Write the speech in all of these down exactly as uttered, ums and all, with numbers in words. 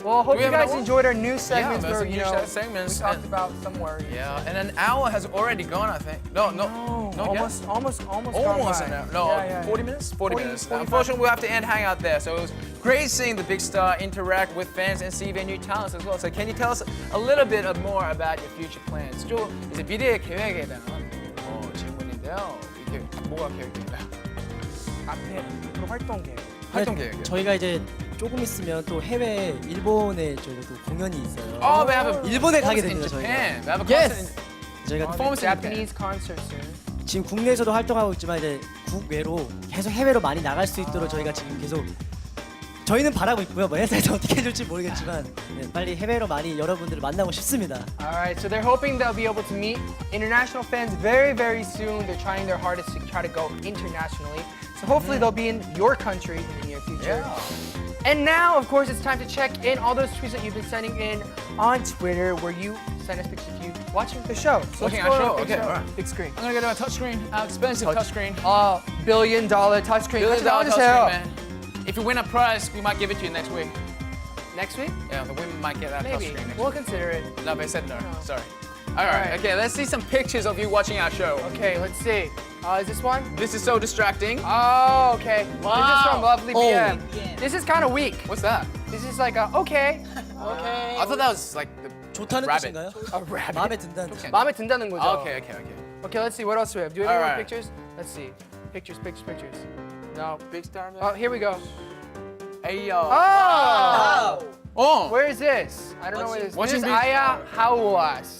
Well, hope we you have guys another enjoyed our new segments there's where some you new know segments we talked and- about some worries. Yeah, and an hour has already gone, I think. No, no, No, no, almost, yeah. almost, almost, gone Almost by. an hour. No, Yeah, yeah, forty yeah. minutes? forty, forty, minutes. forty-five. Unfortunately, we'll have to end Hang Out there. So it was great seeing the big star interact with fans and see their new talents as well. So can you tell us a little bit more about your future plans? 좀 이제 미래의 계획에 대한 어, 질문인데요. 이게 뭐가 계획인가요? 앞에 앞으로 활동 계획. 활동 계획이요? 저희가 이제 조금 있으면 또 해외 일본에 저희가 또 공연이 있어요. Oh, we have a 일본에 가게 performance in 됩니다, 저희가. Japan. We have a Yes. concert in 저희가 performance in Japan. Japanese concert soon. 지금 국내에서도 활동하고 있지만 이제 국외로 계속 해외로 많이 나갈 수 있도록 저희가 지금 계속 저희는 바라고 있고요. 뭐 회사에서 어떻게 해줄지 모르겠지만 네, 빨리 해외로 많이 여러분들을 만나고 싶습니다. Alright, so they're hoping they'll be able to meet international fans very, very soon. They're trying their hardest to try to go internationally. So hopefully they'll be in your country in the near future. Yeah. And now, of course, it's time to check in all those tweets that you've been sending in on Twitter where you send us pictures of you watching the show. So Watching let's our go show, on a big okay, alright. Big screen. I'm gonna get a touchscreen, uh, expensive touchscreen. Uh, billion dollar touchscreen. Billion 같이 dollar 나와주세요. touchscreen, man. If you win a prize, we might give it to you next week. Next week? Yeah, the women might get that Maybe. touchscreen next We'll week. consider it. No, they said no. No. Sorry. All right. right. Okay, let's see some pictures of you watching our show. Okay, let's see. Uh, is this one? This is so distracting. Oh, okay. This is Wow. from Lovely Oh, B M. This is kind of weak. What's that? This is like a okay. Okay. I thought that was like the 좋다는 rabbit. 뜻인가요? A rabbit. 마음에 든다는 뜻. 마음에 든다는 거죠. Oh, okay, okay, okay. Okay, let's see. What else do we have? Do we have any more Alright. pictures? Let's see. Pictures, pictures, pictures. No. Big star man. Oh, here we go. Hey yo. Oh! Oh. Where is this? I don't know where this is. This watching is big- Aya Hawas.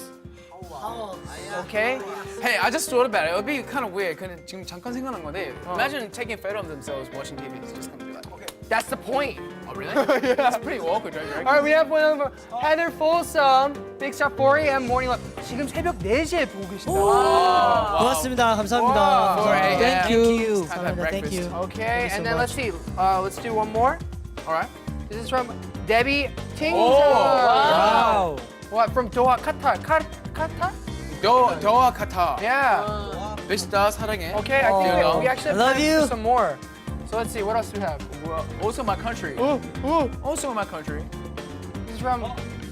Okay? Hey, I just thought about it. It would be kind of weird. 그냥 지금 잠깐 생각난 건데. Imagine taking a photo of themselves watching T V. It's just gonna be like, okay. That's the point. Oh really? That's pretty awkward, right? All right, we have one of Heather Folsom, Big Star four A M Morning Love. 지금 새벽 네 시에 보고 계시다. 고맙습니다. 감사합니다. 와. four A M. Thank you. It's time to have 감사합니다. Thank breakfast. you. Okay, Thank you and so then let's see. Uh, let's do one more. All right. This is from Debbie Ting. Oh, 와우. What from Doha, Qatar? Qatar? Qatar? 도 도와 카타. Yeah. Big star 사랑해. Okay, I think Oh. we, we actually have I love time you. for some more. So let's see, what else do we have? Well, also my country. Ooh, ooh. Also my country. This is from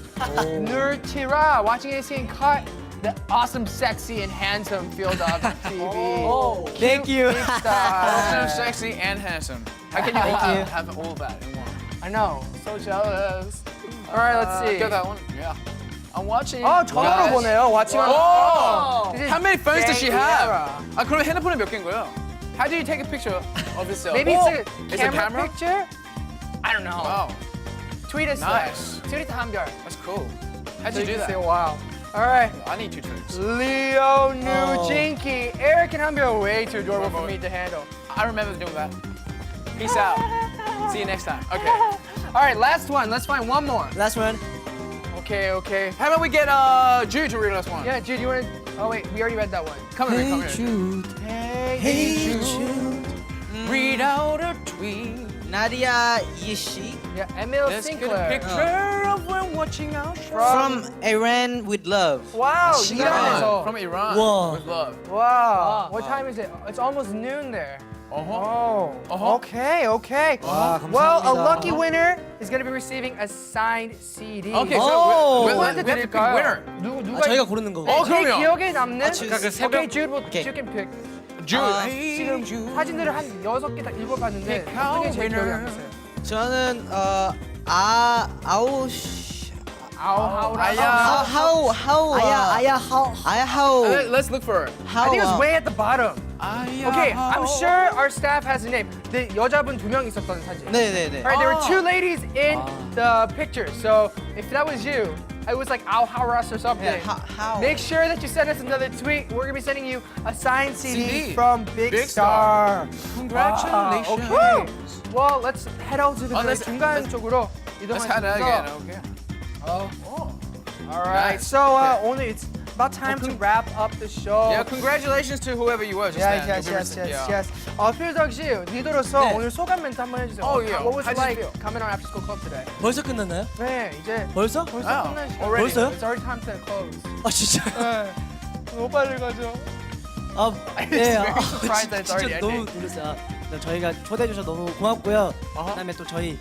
Nur Tira, watching A C and cut the awesome, sexy, and handsome Field of T V. Oh. Thank you. Big Also star. sexy and handsome. How can you Thank have, you. have all that in one? I know, so jealous. All right, let's see. Get that one. Yeah. I'm watching. 어, 전화로 보네요. Watching on. Oh! This is How many phones does she Daniela. have? 아 그럼 핸드폰에 몇 개인 거예요? How do you take a picture of yourself? Maybe Oh, it's a it's camera, a camera? picture? I don't know. Wow, Tweet us. Nice. Tweet it 한별. that's cool. How'd So you do can that? say wow. All right. I need two tweets. Leo New Oh. Jinky. Eric and Hanbyo are way too adorable for me to handle. I remember doing that. Peace out. See you next time. Okay. All right, last one. Let's find one more. Last one. Okay, okay. How about we get uh Jude to read us one? Yeah, Jude, you want to? Oh wait, we already read that one. Come here, come here. Jude. Hey, Hey Jude. Read out a tweet. Nadia Yishi Yeah, Emil Let's get a Sinclair. picture of when watching our show. from Iran with love. Wow, Iran. 이란에서. From Iran. Wow. With love. Wow. What time is it? It's almost noon there. Uh-huh. Oh. Uh-huh. Okay, okay. 와, Well, a 감사합니다. lucky winner is going to be receiving a signed C D. Okay, so Oh. we, we, we, 누구한테 we have to pick 드릴까요? winner. 누, 아, 누가 저희가 고르는 거고. 어, 제 그럼요. 기억에 남는 그러니까 그 새벽- Okay, Jude, will, 오케이. you can pick. Jude. 아, 지금 사진들을 한 여섯 개 다 읽어봤는데 Pick 어떤 게 our 제일 기억에 winner. 남으세요? 저는 어, 아 아우시 아우 하우 아야. 하우 하우 아야 아야 하우. 아야 하우 Let- Let's look for it. I think it's way at the bottom. 아야. Okay, I'm sure our staff has a name. 네, 여자분 두 명 있었던 사진. 네네네. Alright, there were Oh. two ladies in the picture. So if that was you, it was like Al Haras or something. Yeah, how- how? Make sure that you send us another tweet. We're gonna be sending you a signed C D, C D. from Big, Big Star. Congratulations. Wow, okay. Well, let's head out to the Oh, let's- 중간 let's- 쪽으로 Let's head out again. 이동하면서. Okay. Oh. All right. Nice. So uh, 오늘 it's about time to wrap up the show. Yeah, congratulations to whoever you were just Yes, then. yes, You'll be yes, rece- yes, yeah. yes. 어, 필덕 씨, 리더로서 네. 오늘 소감 멘트 한번 해주세요. Oh, yeah. What was How it did you like feel? coming on After School Club today? 벌써 끝났나요? 네, 이제 벌써? 벌써 Oh, 끝날 시간. already. 벌써요? It's already time to close. 아 진짜. 네. 너무 빨리 가죠. 아, It's 네. very 아, surprised that it's 진짜 already 너무 ending. 놀랐어요. 아, 저희가 초대해 주셔서 너무 고맙고요. 어허. 그다음에 또 저희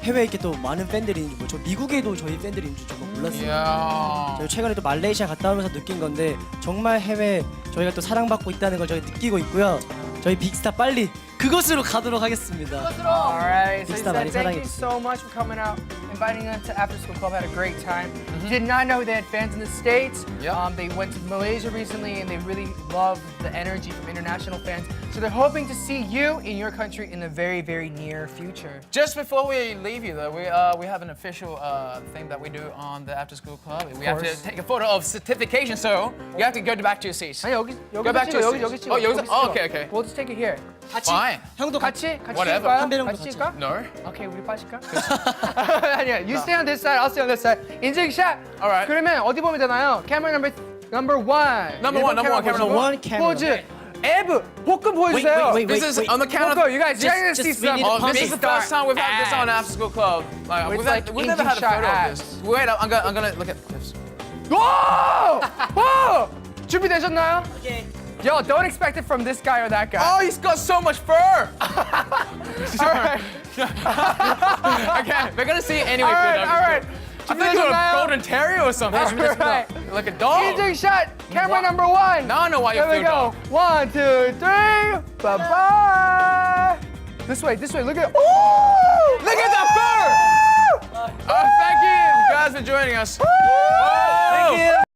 해외에 이렇게 또 많은 팬들이 있는 줄, 저 미국에도 저희 팬들이 있는 줄 정말 몰랐어요. 이야. 저희 최근에 또 말레이시아 갔다 오면서 느낀 건데 정말 해외 저희가 또 사랑받고 있다는 걸 저희 느끼고 있고요. 저희 빅스타 빨리 그곳으로 가도록 하겠습니다. All right. So he 빅스타 많이 said, thank you 사랑해주세요. so much for coming out, inviting them to After School Club. Had a great time. Did not know they had fans in the States. Yep. Um, they went to Malaysia recently, and they really love the energy from international fans. So they're hoping to see you in your country in the very, very near future. Just before we leave you, though, we uh, we have an official uh, thing that we do on the After School Club. We have to course. take a photo of certification, so you have to go back to your seats. 아니 여기 Go 여기 back to 찍어 your 여기 seats. 여기 찍어. Oh, 여기서? 여기 Oh, 찍어. okay, okay. We'll just take it here. 같이 Fine. 형도 같이. 같이 같이 Whatever. 찍을까요? 한 배령도 같이 같이. 찍을까? No. 오케이 우리 빠질까? 아니야. You stay on this side. I'll stay on this side. 인증샷. Alright. 그러면 어디 보면 되나요? Camera number number one. Number one, number one, camera 보시고 number one, camera 포즈. 에브 복근 보여주세요. wait, This is on the count 복근. of. You guys, you're gonna see just- we some. need to Oh, pump this is it. the first time we've had this on After School Club. Like, It's we've, like had, we've never had a inching photo shot of this. Wait, I'm gonna, I'm gonna look at this. 오! 오! 준비되셨나요? 오케이. Yo, don't expect it from this guy or that guy. Oh, he's got so much fur. All right. Okay, we're gonna see it anyway. All right, Peter. all right. I think you're a 준비되셨나요? golden terrier or something. All right. Like a dog. 인증샷. Camera number one. Now I know why you Here we feel go. dog. One, two, three. Bye bye. This way, this way. Look at. Ooh! Look at that fur! Oh, thank you guys for joining us. Thank you.